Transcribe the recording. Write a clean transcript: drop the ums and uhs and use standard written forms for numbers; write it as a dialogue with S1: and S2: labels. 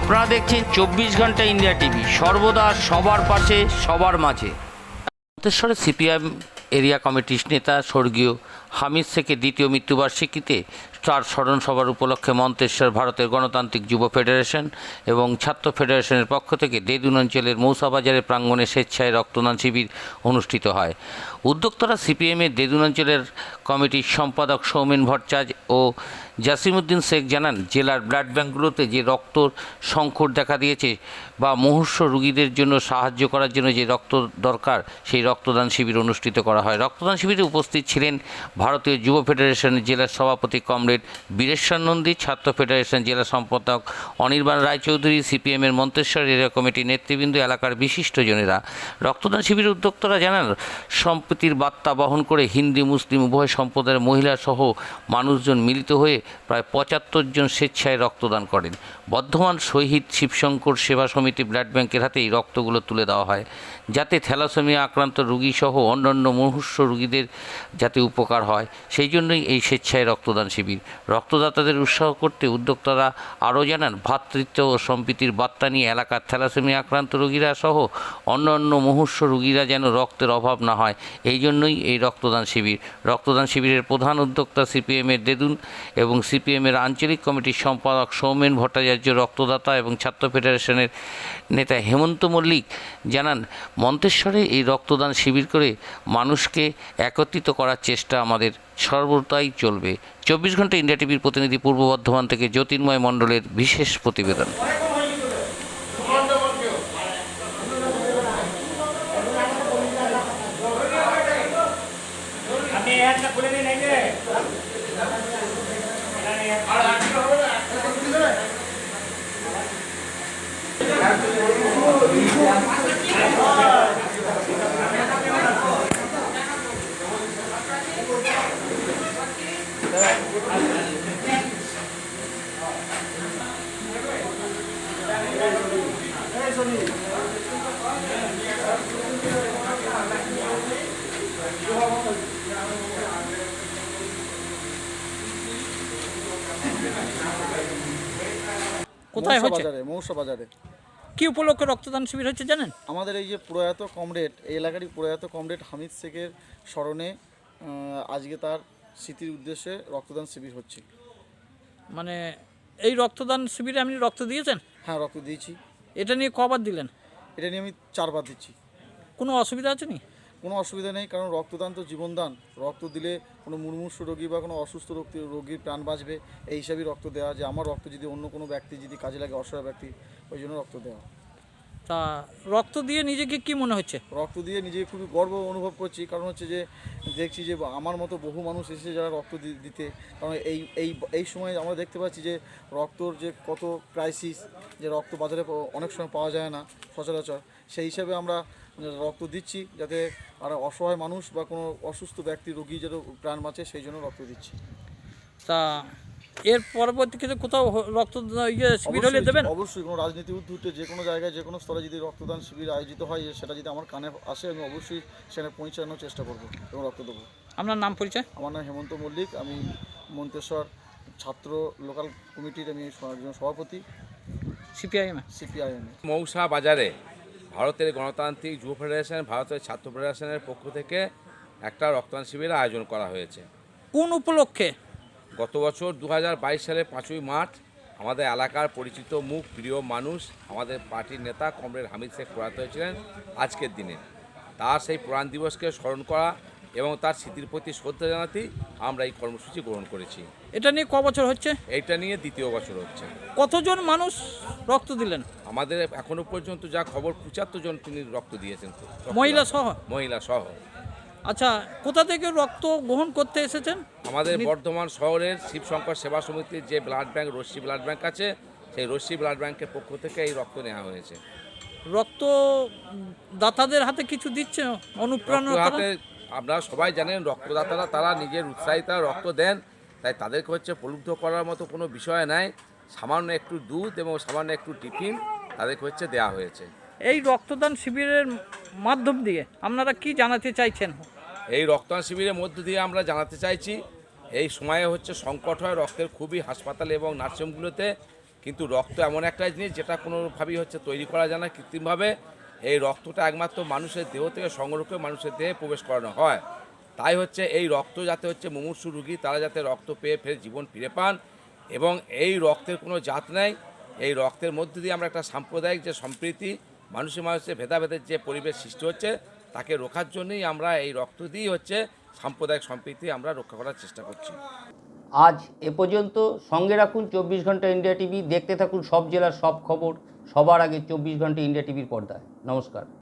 S1: আপনারা দেখছেন 24 ঘন্টা ইন্ডিয়া টিভি, সর্বদা সবার পাশে সবার মাঝে। মন্তেশ্বরে সিপিএম এরিয়া কমিটির নেতা স্বর্গীয় হামিদ শেখের দ্বিতীয় মৃত্যুবার্ষিকীতে তার স্মরণ সভার উপলক্ষে মন্তেশ্বর ভারতের গণতান্ত্রিক যুব ফেডারেশন এবং ছাত্র ফেডারেশনের পক্ষ থেকে দেদুন অঞ্চলের মৌসাবাজারের প্রাঙ্গণে স্বেচ্ছায় রক্তদান শিবির অনুষ্ঠিত হয়। উদ্যোক্তারা সিপিএমের দেদুন অঞ্চলের কমিটির সম্পাদক সৌমেন ভট্টাচার্য ও জাসিমউদ্দিন শেখ জানান, জেলার ব্লাড ব্যাঙ্কগুলোতে যে রক্তর সংকট দেখা দিয়েছে বা মুমূর্ষু রোগীদের জন্য সাহায্য করার জন্য যে রক্ত দরকার, সেই রক্তদান শিবির অনুষ্ঠিত করা হয়। রক্তদান শিবিরে উপস্থিত ছিলেন ভারতীয় যুব ফেডারেশনের জেলার সভাপতি কমরেড বীরেশ্বর নন্দী, ছাত্র ফেডারেশন জেলা সম্পাদক অনির্বাণ রায়চৌধুরী, সিপিএমের মন্তেশ্বর এরিয়া কমিটির নেতৃবৃন্দ, এলাকার বিশিষ্টজনেরা। রক্তদান শিবিরের উদ্যোক্তারা জানান, সম্প্রীতির বার্তা বহন করে হিন্দু মুসলিম উভয় সম্প্রদায়ের মহিলা সহ মানুষজন মিলিত হয়ে প্রায় 75 জন স্বেচ্ছায় রক্তদান করেন। বর্ধমান শহীদ শিবশঙ্কর সেবা সমিতি ব্লাড ব্যাংকের হাতে এই রক্তগুলো তুলে দেওয়া হয়, যাতে থ্যালাসেমিয়া আক্রান্ত রোগী সহ অন্যান্য মুমূর্ষু রোগীদের যাতে উপকার হয়, সেই জন্যই এই স্বেচ্ছায় রক্তদান শিবির। রক্তদাতাদের উৎসাহ করতে উদ্যোক্তারা আরও জানান, ভ্রাতৃত্ব ও সম্প্রীতির বার্তা নিয়ে এলাকার থ্যালাসেমিয়া আক্রান্ত রোগীরা সহ অন্যান্য মুমূর্ষু রোগীরা যেন রক্তের অভাব না হয়, এই জন্যই এই রক্তদান শিবির। রক্তদান শিবিরের প্রধান উদ্যোক্তা সিপিএমের দেদুন এবং সিপিএমের আঞ্চলিক কমিটির সম্পাদক সৌমেন ভট্টাচার্য, রক্তদাতা এবং ছাত্র ফেডারেশনের নেতা হেমন্ত মল্লিক জানান, মন্তেশ্বরে এই রক্তদান শিবির করে মানুষকে একত্রিত করার চেষ্টা আমাদের সর্বদাই চলবে। 24 ঘন্টা ইন্ডিয়া টিভির প্রতিনিধি পূর্ব বর্ধমান থেকে জ্যোতির্ময় মণ্ডলের বিশেষ প্রতিবেদন।
S2: কোথায় হচ্ছে?
S3: মৌসাবাজারে।
S2: কি উপলক্ষে রক্তদান শিবির হচ্ছে জানেন?
S3: আমাদের এই যে প্রয়াত কমরেড, এই এলাকারই প্রয়াত কমরেড হামিদ শেখের স্মরণে আজকে তার স্মৃতির উদ্দেশ্যে রক্তদান শিবির হচ্ছে।
S2: মানে এই রক্তদান শিবিরে আপনি রক্ত দিয়েছেন?
S3: হ্যাঁ, রক্ত দিয়েছি।
S2: এটা নিয়ে কবার দিলেন?
S3: এটা নিয়ে আমি 4 বার দিচ্ছি।
S2: কোনো অসুবিধা আছে নি?
S3: কোনো অসুবিধা নেই, কারণ রক্তদান তো জীবনদান। রক্ত দিলে কোনো মুমূর্ষু রোগী বা কোনো অসুস্থ রোগীর প্রাণ বাঁচবে, এই হিসাবেই রক্ত দেওয়া। যে আমার রক্ত যদি অন্য কোনো ব্যক্তি যদি কাজে লাগে, অসহায় ব্যক্তি, ওই জন্য রক্ত দেওয়া।
S2: তা রক্ত দিয়ে নিজেকে কি মনে হচ্ছে?
S3: রক্ত দিয়ে নিজেকে খুবই গর্ব অনুভব করছি, কারণ হচ্ছে যে দেখছি যে আমার মতো বহু মানুষ এসেছে যারা রক্ত দিতে। কারণ এই সময় আমরা দেখতে পাচ্ছি যে রক্তর যে কত ক্রাইসিস, যে রক্ত বাজারে অনেক সময় পাওয়া যায় না সচরাচর। সেই হিসাবে আমরা রক্ত দিচ্ছি, যাতে আর অসহায় মানুষ বা কোনো অসুস্থ ব্যক্তি রোগী যেন প্রাণ বাঁচে, সেই জন্য রক্ত দিচ্ছি।
S2: তা এর পরবর্তীতে কোথাও রক্ত শিবির হলে দেবেন?
S3: অবশ্যই, কোনো রাজনীতি উদ্ধূতে যে কোনো জায়গায় যে কোনো স্তরে যদি রক্তদান শিবির আয়োজিত হয়, সেটা যদি আমার কানে আসে, আমি অবশ্যই সেখানে পৌঁছানোর চেষ্টা করব এবং রক্ত দেবো।
S2: আপনার নাম পরিচয়?
S3: আমার নাম হেমন্ত মল্লিক, আমি মন্তেশ্বর ছাত্র লোকাল কমিটির আমি একজন সভাপতি,
S2: সিপিআইএম।
S4: মৌসা বাজারে ভারতের গণতান্ত্রিক যুব ফেডারেশন, ভারতের ছাত্র ফেডারেশনের পক্ষ থেকে একটা রক্তদান শিবিরের আয়োজন করা হয়েছে।
S2: কোন উপলক্ষে?
S4: গত বছর 2022 সালে 5ই মার্চ আমাদের এলাকার পরিচিত মুখ, প্রিয় মানুষ, আমাদের পার্টির নেতা কমরেড হামিদ শেখ প্রয়াত হয়েছিলেন আজকের দিনে। তার সেই প্রাণ দিবসকে স্মরণ করা এবং তার স্মৃতির প্রতি শ্রদ্ধা জানাতেই আমরা এই কর্মসূচি গ্রহণ করেছি।
S2: এটা নিয়ে ক বছর হচ্ছে?
S4: এইটা নিয়ে 2য় বছর হচ্ছে।
S2: কতজন মানুষ রক্ত দিলেন?
S4: আমাদের এখনো পর্যন্ত যা খবর 75 জন তিনি রক্ত দিয়েছেন,
S2: মহিলা সহ?
S4: মহিলা সহ।
S2: আচ্ছা, কোথা থেকে রক্ত গ্রহণ করতে এসেছেন?
S4: আমাদের বর্ধমান শহরের শিবশঙ্কর সেবা সমিতির যে blood bank, Rashmi blood bank আছে, সেই রশ্মি ব্লাড ব্যাংকের পক্ষ থেকে এই রক্ত নেওয়া হয়েছে।
S2: রক্ত দাতাদের হাতে কিছু দিচ্ছে অনুপ্রেরণা?
S4: হাতে আপনারা সবাই জানেন, রক্তদাতারা তারা নিজের উৎসাহিতা রক্ত দেন, তাই তাদেরকে হচ্ছে প্রলুব্ধ করার মতো কোনো বিষয় নাই। সামান্য একটু দুধ এবং সামান্য একটু টিফিন তাদেরকে হচ্ছে দেওয়া হয়েছে।
S2: এই রক্তদান শিবিরের মাধ্যম দিয়ে আপনারা কি জানাতে চাইছেন?
S4: এই রক্তদান শিবিরের মধ্য দিয়ে আমরা জানাতে চাইছি, এই সময়ে হচ্ছে সংকট হয় রক্তের খুবই, হাসপাতাল এবং নার্সিংহোমগুলোতে কিন্তু রক্ত এমন একটা জিনিস যেটা কোনোভাবেই হচ্ছে তৈরি করা যায় না কৃত্রিমভাবে। এই রক্তটা একমাত্র মানুষের দেহ থেকে সংগ্রহ করে মানুষের দেহে প্রবেশ করানো হয়। তাই হচ্ছে এই রক্ত যাতে হচ্ছে মুমূর্ষু রোগী তারা যাতে রক্ত পেয়ে ফের জীবন ফিরে পান, এবং এই রক্তের কোনো জাত নেই। এই রক্তের মধ্যে দিয়ে আমরা একটা সাম্প্রদায়িক যে সম্প্রীতি, মানুষের ভেদাভেদের যে পরিবেশ সৃষ্টি হচ্ছে তাকে রোখার জন্যই আমরা এই রক্ত দিয়েই হচ্ছে সাম্প্রদায়িক সম্প্রীতি আমরা রক্ষা করার চেষ্টা করছি।
S1: আজ এ পর্যন্ত। সঙ্গে রাখুন 24 ঘন্টা ইন্ডিয়া টিভি। দেখতে থাকুন সব জেলার সব খবর সবার আগে 24 ঘন্টা ইন্ডিয়া টিভির পর্দায়। নমস্কার।